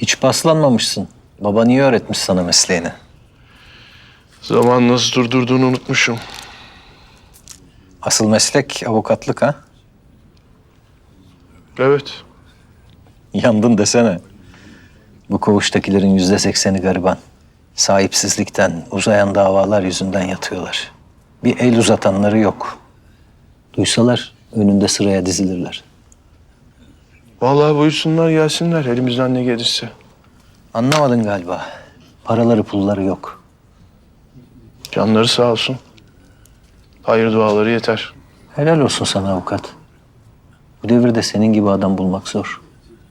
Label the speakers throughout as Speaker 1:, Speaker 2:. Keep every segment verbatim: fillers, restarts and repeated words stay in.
Speaker 1: Hiç paslanmamışsın. Baba niye öğretmiş sana mesleğini?
Speaker 2: Zaman nasıl durdurduğunu unutmuşum.
Speaker 1: Asıl meslek avukatlık ha?
Speaker 2: Evet.
Speaker 1: Yandın desene. Bu koğuştakilerin yüzde sekseni gariban. Sahipsizlikten, uzayan davalar yüzünden yatıyorlar. Bir el uzatanları yok. Duysalar önünde sıraya dizilirler.
Speaker 2: Vallahi buyursunlar gelsinler elimizden ne gelirse.
Speaker 1: Anlamadın galiba. Paraları pulları yok.
Speaker 2: Canları sağ olsun. Hayır duaları yeter.
Speaker 1: Helal olsun sana avukat. Bu devirde senin gibi adam bulmak zor.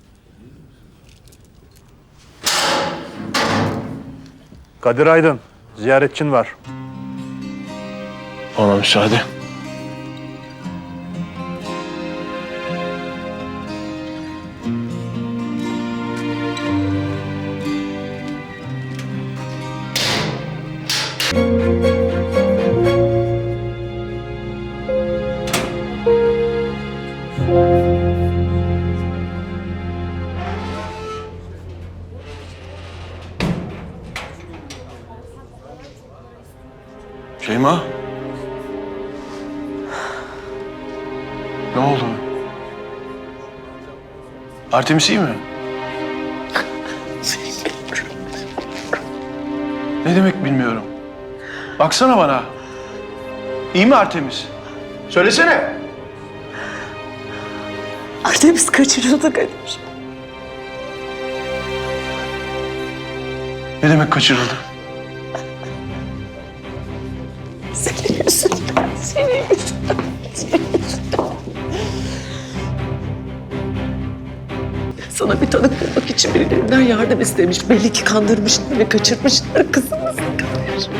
Speaker 3: Kadir Aydın, ziyaretçin var.
Speaker 2: Ona müsaade. Şeyma. Ne oldu? Artemis iyi mi? Ne demek bilmiyorum. Baksana bana. İyi mi Artemis? Söylesene.
Speaker 4: Artemis kaçırıldı Kadir.
Speaker 2: Ne demek kaçırıldı?
Speaker 4: Senin yüzünden, senin yüzünden, senin yüzünden. Sana bir tanık bulmak için birilerinden yardım istemiş. Belli ki kandırmışlar ve kaçırmışlar kızımızı Kadir.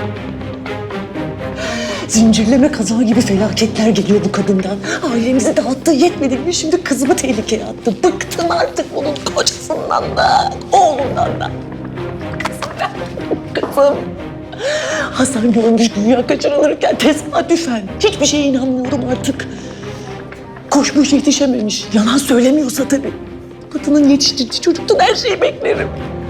Speaker 4: Zincirleme kaza gibi felaketler geliyor bu kadından. Ailemizi dağıttığı yetmedi mi şimdi kızımı tehlikeye attı. Bıktım artık onun kocasından da, oğlundan da. Kızım, kızım. Hasan görmüş dünya kaçırılırken tesadüfen. Hiçbir şeye inanmıyorum artık. Koşmuş yetişememiş. Yalan söylemiyorsa tabii. Kadının yetiştirdiği çocuktan her şeyi beklerim.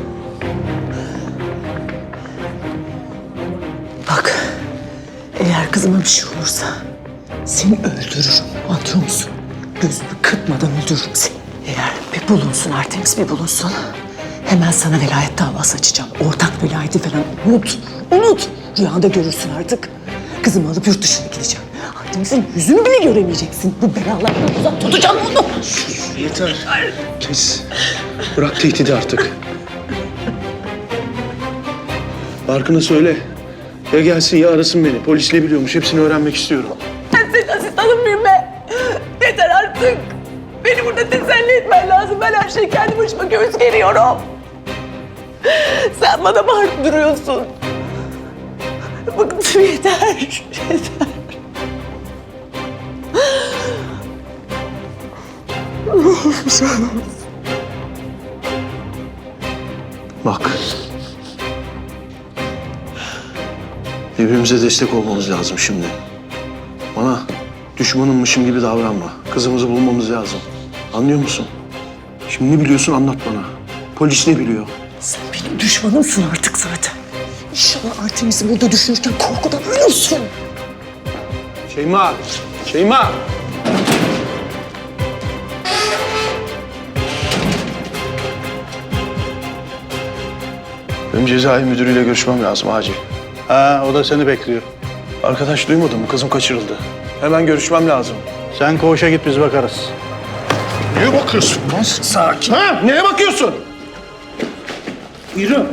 Speaker 4: Bak, eğer kızıma bir şey olursa seni öldürürüm. Anlıyor musun? Gözünü kırpmadan öldürürüm seni. Eğer bir bulunsun Artemis, bir bulunsun. Hemen sana velayet davası açacağım. Ortak velayeti falan unut. Unut. Rüyanda görürsün artık. Kızımı alıp yurt dışına gideceğim. Artemis'in yüzünü bile göremeyeceksin. Bu belalardan uzak tutacağım onu.
Speaker 2: Yeter. Kes. Bırak tehdidi artık. Barkın'a söyle. Ya gelsin ya arasın beni. Polis ne biliyormuş hepsini öğrenmek istiyorum.
Speaker 4: Ben senin asistanın mıyım be? Yeter artık. Beni burada teselli etmen lazım. Ben her şeyi kendi başıma göğüs geriyorum. Sen bana bağırıp duruyorsun. Bıktım yeter. Yeter.
Speaker 2: Bak. Birbirimize destek olmamız lazım şimdi. Bana düşmanımmışım gibi davranma. Kızımızı bulmamız lazım. Anlıyor musun? Şimdi ne biliyorsun anlat bana. Polis ne biliyor?
Speaker 4: Sen benim düşmanımsın artık zaten. İnşallah Artemis'i burada düşünürken korkudan ölürsün.
Speaker 2: Şeyma! Şeyma! Benim cezaevi müdürüyle görüşmem lazım acil.
Speaker 3: Ha, o da seni bekliyor.
Speaker 2: Arkadaş duymadın mı? Kızım kaçırıldı. Hemen görüşmem lazım.
Speaker 3: Sen koğuşa git, biz bakarız.
Speaker 2: Neye bakıyorsun lan? Sakin. Ha? Neye bakıyorsun? Yürü.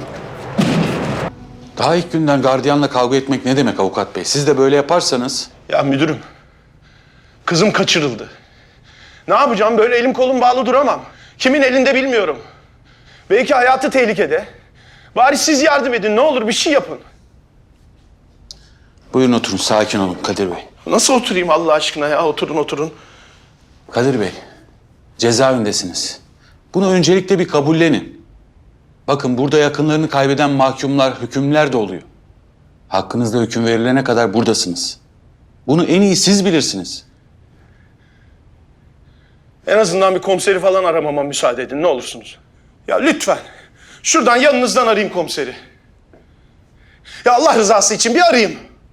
Speaker 5: Daha ilk günden gardiyanla kavga etmek ne demek avukat bey? Siz de böyle yaparsanız...
Speaker 2: Ya müdürüm, kızım kaçırıldı. Ne yapacağım? Böyle elim kolum bağlı duramam. Kimin elinde bilmiyorum. Belki hayatı tehlikede. Bari siz yardım edin. Ne olur bir şey yapın.
Speaker 5: Buyurun oturun, sakin olun Kadir Bey.
Speaker 2: Nasıl oturayım Allah aşkına ya? Oturun oturun.
Speaker 5: Kadir Bey, cezaevindesiniz. Bunu öncelikle bir kabullenin. Bakın burada yakınlarını kaybeden mahkumlar, hükümler de oluyor. Hakkınızda hüküm verilene kadar buradasınız. Bunu en iyi siz bilirsiniz.
Speaker 2: En azından bir komiseri falan aramama müsaade edin. Ne olursunuz. Ya lütfen. Şuradan yanınızdan arayayım komiseri. Ya Allah rızası için bir arayayım.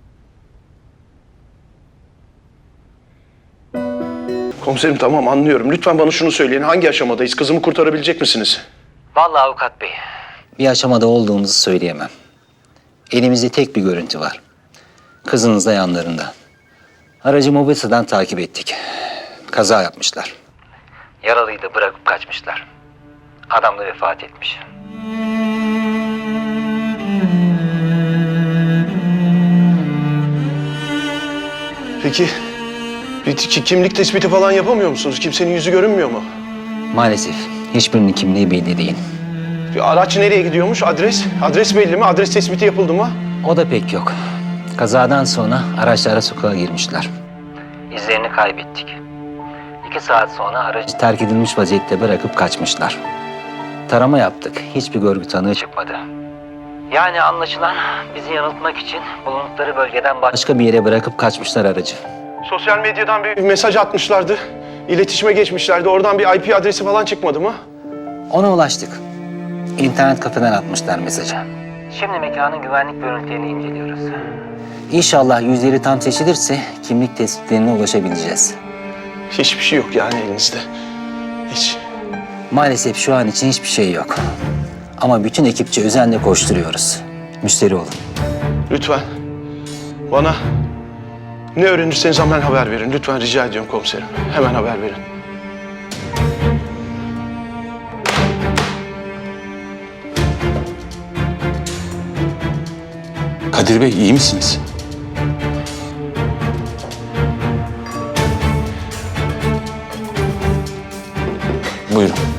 Speaker 2: Komiserim tamam anlıyorum. Lütfen bana şunu söyleyin. Hangi aşamadayız? Kızımı kurtarabilecek misiniz?
Speaker 1: Vallahi avukat bey. Bir aşamada olduğumuzu söyleyemem. Elimizde tek bir görüntü var. Kızınız da yanlarında. Aracı mobilyadan takip ettik. Kaza yapmışlar. Yaralıyı da bırakıp kaçmışlar. Adam da vefat etmiş.
Speaker 2: Peki bir ki- kimlik tespiti falan yapamıyor musunuz? Kimsenin yüzü görünmüyor mu?
Speaker 1: Maalesef hiçbirinin kimliği belli değil.
Speaker 2: Bir araç nereye gidiyormuş? Adres? Adres belli mi? Adres tespiti yapıldı mı?
Speaker 1: O da pek yok. Kazadan sonra araçlara sokağa girmişler. İzlerini kaybettik. İki saat sonra aracı terk edilmiş vaziyette bırakıp kaçmışlar. Tarama yaptık. Hiçbir görgü tanığı çıkmadı. Yani anlaşılan bizi yanıltmak için bulundukları bölgeden başka bir yere bırakıp kaçmışlar aracı.
Speaker 2: Sosyal medyadan bir mesaj atmışlardı. İletişime geçmişlerdi. Oradan bir I P adresi falan çıkmadı mı?
Speaker 1: Ona ulaştık. İnternet kafeden atmışlar mesajı. Şimdi mekanın güvenlik görüntülerini inceliyoruz. İnşallah yüzleri tam seçilirse kimlik tespitlerine ulaşabileceğiz.
Speaker 2: Hiçbir şey yok yani elinizde. Hiç.
Speaker 1: Maalesef şu an için hiçbir şey yok. Ama bütün ekipçe özenle koşturuyoruz. Müşteri olun.
Speaker 2: Lütfen bana ne öğrenirseniz hemen haber verin. Lütfen rica ediyorum komiserim. Hemen haber verin.
Speaker 5: Kadir Bey iyi misiniz? Buyurun.